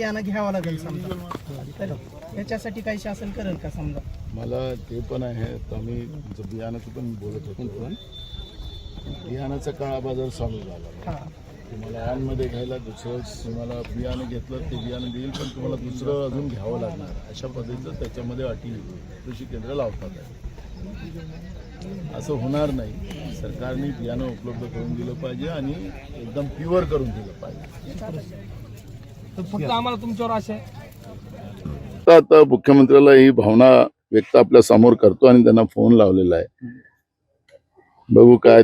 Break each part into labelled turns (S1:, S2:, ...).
S1: बियाणं घ्यावं लागेल समजा, तर याच्यासाठी काही शासन करेल का समजा?
S2: मला ते पण आहे, आम्ही बियाणाचं पण बोलत होतो. बियाणाचा काळा बाजार चालू झाला. तुम्हाला आणमध्ये घ्यायला दुसरं तुम्हाला बियाणं घेतलं ते बियाणं देईल, पण तुम्हाला दुसरं अजून घ्यावं लागणार. अशा पद्धतीचं त्याच्यामध्ये अटी कृषी केंद्र लावतात आहे. असं होणार नाही. सरकारने बियाणं उपलब्ध करून दिलं पाहिजे आणि एकदम प्युअर करून दिलं पाहिजे.
S3: फक्त आम्हाला तुमच्यावर आशा आहे.
S2: आता मुख्यमंत्र्याला ही भावना व्यक्त आपल्या समोर करतो आणि त्यांना फोन लावलेला आहे. बघू काय.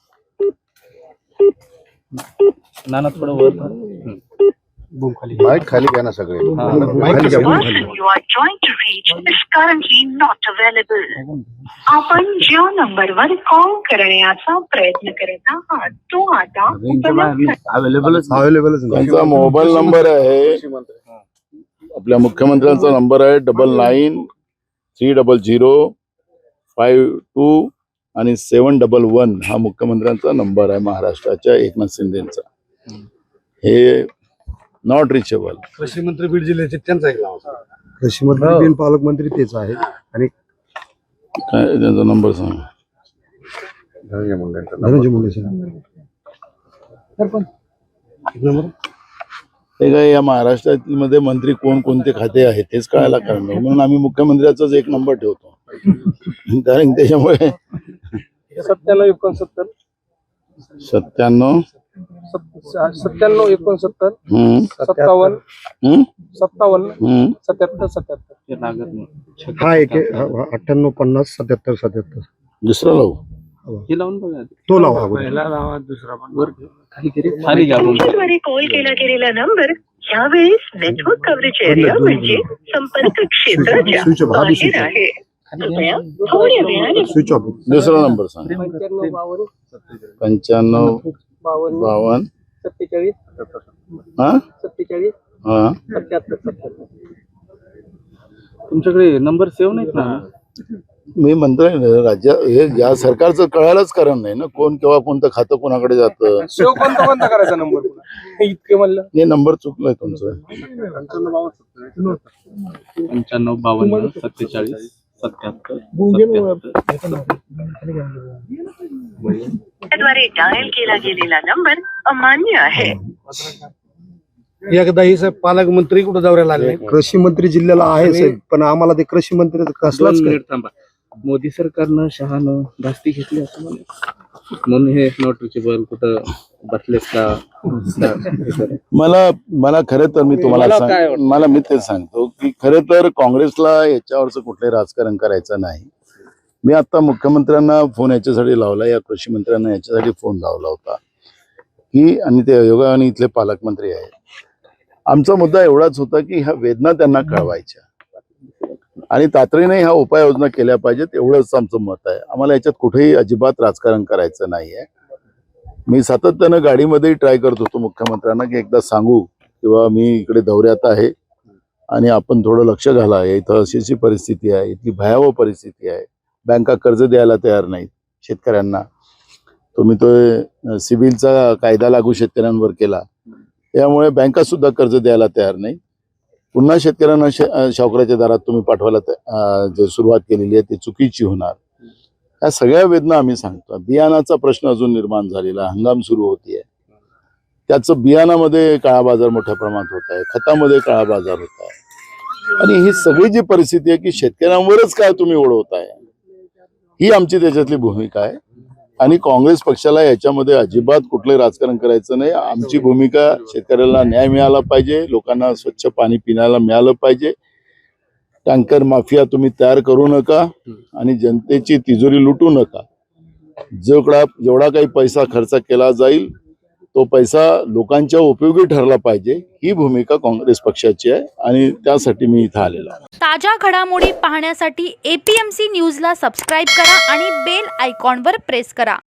S3: नाना थोडं वर
S2: माईक खाली घ्या ना सगळे.
S4: आपण ज्या नंबरवर कॉल करण्याचा प्रयत्न करत आहात तो आता
S2: अवेलेबल. त्यांचा मोबाईल नंबर आहे, आपल्या मुख्यमंत्र्यांचा नंबर आहे 993005 आणि 711 हा मुख्यमंत्र्यांचा नंबर आहे महाराष्ट्राच्या एकनाथ शिंदेचा. हे नॉट रिचेबल.
S5: कृषी मंत्री बीड जिल्ह्याचे त्यांचा एक नाव, कृषी मंत्री बीड पालकमंत्री तेच आहे. आणि
S2: काय त्यांचा नंबर सांग.
S5: धनंजय मुंडे नंबर.
S2: ते काय या महाराष्ट्रातील मध्ये मंत्री कोण कोणते खाते आहेत तेच कळायला कारण नाही, म्हणून आम्ही मुख्यमंत्र्याचाच एक नंबर ठेवतो. कारण त्याच्यामुळे
S3: 9769
S2: 97
S3: 69 69 57 77 77
S5: हा एक 98 50 77 77.
S2: दुसरा लावू.
S3: हे लावून बघा.
S5: तो लावा.
S3: पहिला लावा, दुसरा पण खाली घ्या.
S4: तुमच्याद्वारे कॉल केला गेलेला नंबर यावेळेस नेटवर्क कव्हरेज एरिया म्हणजे संपर्क क्षेत्राच्या बाहेर आहे. कृपया थोड्या वेळाने
S5: स्विच ऑफ.
S2: दुसरा नंबर सांग. 95 52
S3: 47
S2: हा
S3: 47
S2: हा.
S3: 77. तुमच्याकडे नंबर सेव्ह नाहीत ना?
S2: मी म्हणतोय ना, राज्य हे या सरकारचं कळायलाच कारण नाही ना, कोण केव्हा कोणतं खातं कोणाकडे जातं.
S3: सेव्ह कोणता करायचा नंबर इतके म्हणलं.
S2: हे नंबर चुकलाय तुमचं.
S3: 95 52 47 77
S4: द्वारे डायल केला गेलेला नंबर अमान्य आहे.
S5: एकदा ही साहेब पालकमंत्री कुठे दौऱ्याला आले, कृषी मंत्री जिल्ह्याला आहे साहेब, पण आम्हाला ते कृषी मंत्री कसलाच
S3: थांबा. मोदी सरकारनं शहानं धास्ती घेतली असं म्हणून हे नॉट रिचेबल कुठं बसलेत का?
S2: मला खरं तर मी तुम्हाला मी तेच सांगतो की खरं तर काँग्रेसला याच्यावरचं कुठलंही राजकारण करायचं नाही. मी आता मुख्यमंत्र्यांना फोन याच्यासाठी लावला, या कृषी मंत्र्यांना याच्यासाठी फोन लावला होता की, आणि ते योगाने इथले पालकमंत्री आहेत. आमचा मुद्दा एवढाच होता की ह्या वेदना त्यांना कळवायच्या आणि तातडीने ह्या उपाययोजना केल्या पाहिजेत, एवढंच आमचं मत आहे. आम्हाला याच्यात कुठेही अजिबात राजकारण करायचं नाहीये. मी सातत्यानं गाडीमध्ये ट्राय करत होतो मुख्यमंत्र्यांना की एकदा सांगू किंवा मी इकडे दौऱ्यात आहे आणि आपण थोडं लक्ष घाला. इथं अशी परिस्थिती आहे, इथली भयावह परिस्थिती आहे. बँका कर्ज द्यायला तयार नाहीत शेतकऱ्यांना. तुम्ही तो सिव्हिलचा कायदा लागू शेतकऱ्यांवर केला, त्यामुळे बँका सुद्धा कर्ज द्यायला तयार नाही. पुन्हा शेतकऱ्यांना सावकाराच्या दारात तुम्ही पाठवायला जे सुरुवात केलेली आहे ती चुकीची होणार. या सगळ्या वेदना आम्ही सांगतो. बियाणाचा प्रश्न अजून निर्माण झालेला, हंगाम सुरू होतीये, त्याचं बियाणामध्ये काळा बाजार मोठ्या प्रमाणात होत आहे, खतामध्ये काळा बाजार होत आहे, आणि ही सगळी जी परिस्थिती आहे की शेतकऱ्यांवरच काय तुम्ही ओढवताय, ही आमची त्याच्यातली भूमिका आहे. आणि काँग्रेस पक्षाला याच्यामध्ये अजिबात कुठलंही राजकारण करायचं नाही. आमची भूमिका शेतकऱ्याला न्याय मिळाला पाहिजे, लोकांना स्वच्छ पाणी पिण्याला मिळालं पाहिजे. टँकर माफिया तुम्ही तयार करू नका आणि जनतेची तिजोरी लुटू नका. जेवढा काही पैसा खर्च केला जाईल तो पैसा लोकांच्या उपयोगी ठरला पाहिजे, ही भूमिका काँग्रेस पक्षाची आहे आणि त्यासाठी मी इथं आलेलो आहे.
S6: ताज्या घडामोडी पाहण्यासाठी APMC न्यूजला सबस्क्राईब करा आणि बेल आयकॉनवर प्रेस करा.